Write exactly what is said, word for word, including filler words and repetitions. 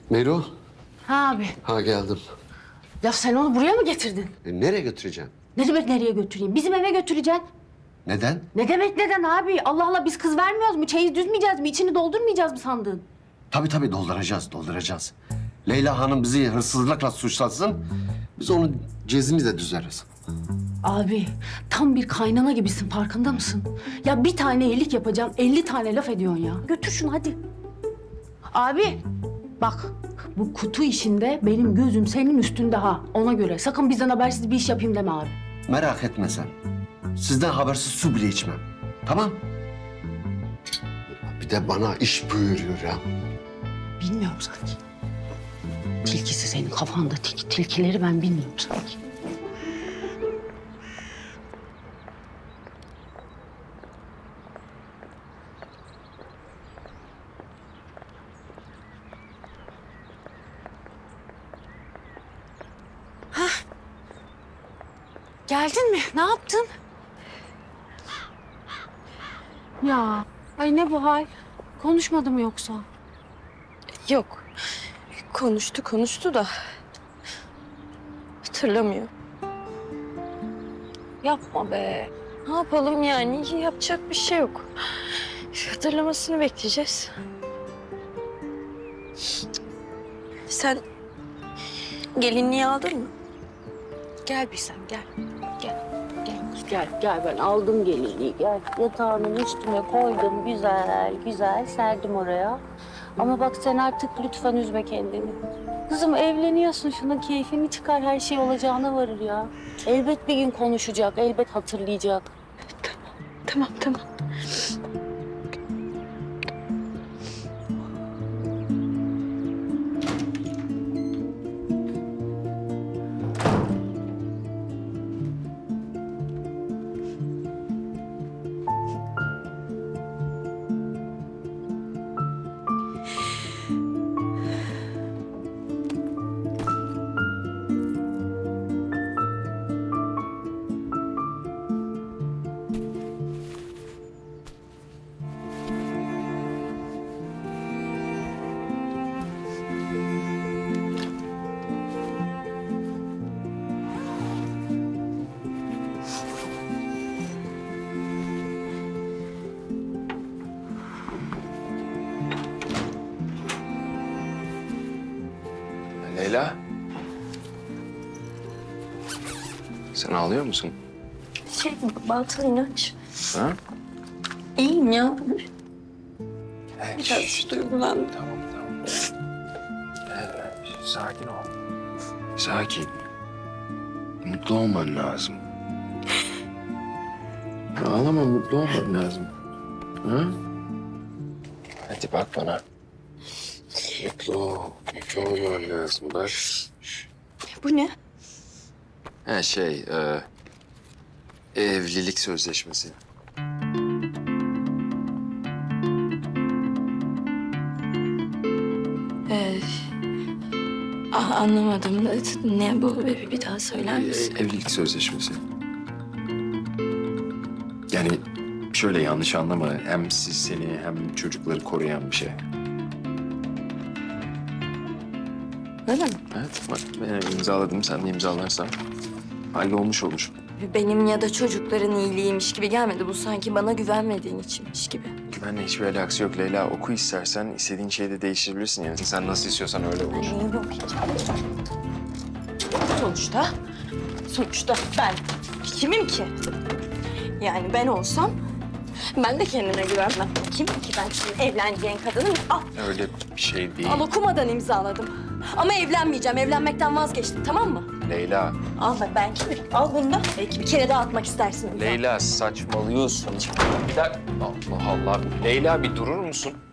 Mero, Ha abi. ha geldim. Ya sen onu buraya mı getirdin? E, nereye götüreceğim? Ne demek nereye götüreyim? Bizim eve götüreceksin. Neden? Ne demek neden abi? Allah Allah biz kız vermiyoruz mu? Çeyiz düzmeyeceğiz mi? İçini doldurmayacağız mı sandın? Tabii tabii dolduracağız, dolduracağız. Leyla Hanım bizi hırsızlıkla suçlasın, biz onun cezini de düzeriz. Abi tam bir kaynana gibisin farkında mısın? Ya bir tane iyilik yapacaksın, elli tane laf ediyorsun ya. Götür şunu hadi. Abi bak bu kutu işinde benim gözüm senin üstünde ha. Ona göre sakın bizden habersiz bir iş yapayım deme abi. Merak etme sen. Sizden habersiz su bile içmem. Tamam? Bir de bana iş buyuruyor ya. Bilmiyorum sanki. Tilkisi senin kafanda tilki, tilkileri ben bilmiyorum sanki. Geldin mi? Ne yaptın? Ya, ay ne bu hal? Konuşmadı mı yoksa? Yok. Konuştu konuştu da hatırlamıyor. Yapma be. Ne yapalım yani? Yapacak bir şey yok. Hatırlamasını bekleyeceğiz. Sen gelinliği aldın mı? Gel bir sen gel. Gel. Gel, gel ben aldım gelinliği. Gel yatağının üstüne koydum güzel, güzel serdim oraya. Ama bak sen artık lütfen üzme kendini. Kızım evleniyorsun, şunun keyfini çıkar, her şey olacağına varır ya. Elbet bir gün konuşacak, elbet hatırlayacak. Tamam tamam. Leyla. Sen ağlıyor musun? Şey batıl inanç. Ha? İyiyim ya. Evet. Biraz duygulandım. Tamam, tamam. Evet, sakin ol. Sakin. Mutlu olman lazım. Ağlama, mutlu olman lazım. Ha? Hadi bak bana. Mutlu ol, mutlu olman lazım. Bak. Bu ne? Ha şey, e, evlilik sözleşmesi. Ee, ah, anlamadım. Ne bu? Bir bir daha söyler E, misin? evlilik sözleşmesi. Yani şöyle yanlış anlama. Hem siz seni hem çocukları koruyan bir şey. Öyle mi? Evet bak ben imzaladım. Sen de imzalarsan hallolmuş olur. Benim ya da çocukların iyiliğiymiş gibi gelmedi. Bu sanki bana güvenmediğin içinmiş gibi. Güvenle hiçbir alakası yok Leyla. Oku istersen istediğin şeyi de değiştirebilirsin yani. Sen nasıl istiyorsan öyle olur. Neyi yok hiç. Sonuçta, sonuçta ben kimim ki? Yani ben olsam ben de kendime güvenmem. Kimim ki ben senin evleneceğin kadının? Al, Öyle bir şey değil. al okumadan imzaladım. Ama evlenmeyeceğim, evlenmekten vazgeçtim tamam mı? Leyla, Al bak ben kimim? Al bunu da. Belki bir kere daha atmak istersin. Leyla saçmalıyorsun. Bir dakika. Allah Allah. Leyla bir durur musun?